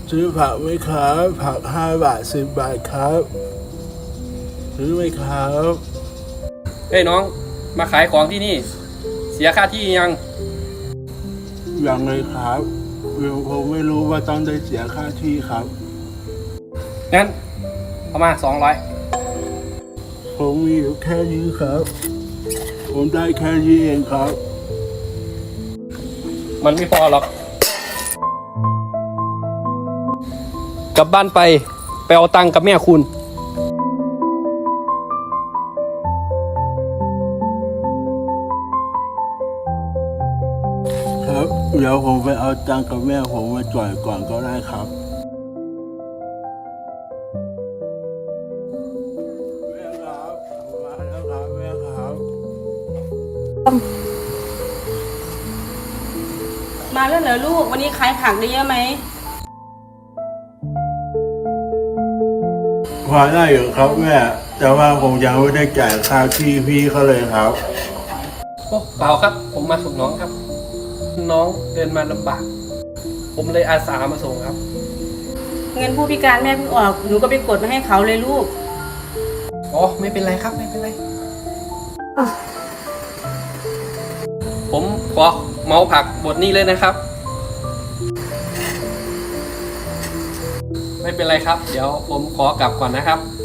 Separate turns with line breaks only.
ซื้อผักไหมครับผัก5 บาท10 บาทครับซื้อไหมครับ
เฮ้ยน้องมาขายของที่นี่ เสียค่าที่ยัง
ยังเลยครับผมไม่รู้ว่าต้องได้เสียค่าที่ครับ
งั้นเอามา200
ผมมีอยู่แค่นี้ครับ ผมได้แค่นี้เองครับ
มันไม่พอหรอก กลับบ้านไปเอาตังค์กับแม่คุณ
ครับเดี๋ยวผมไปเอาตังค์กับแม่ผมมาจ่ายก่อนก็ได้ครับแม่ครับผมมาแล้วครับแม่ครับ
มาแล้วเหรอลูกวันนี้ขายผักได้เยอะไหม
พอได้อยู่ครับแม่แต่ว่าผมยังไม่ได้จ่ายค่าที่พี่เขาเลยครับ
โอ้เปล่าครับ ผมมาส่งน้องครับ น้องเดินมาลำบาก ผมเลยอาสามาส่งครับ
เงินผู้พิการแม่เพิ่งออกหนูก็ไปกดมาให้เขาเลยลูก
อ๋อไม่เป็นไรครับไม่เป็นไร ผมขอเมาผักบทนี้เลยนะครับ ไม่เป็นไรครับ เดี๋ยวผมขอกลับก่อนนะครับ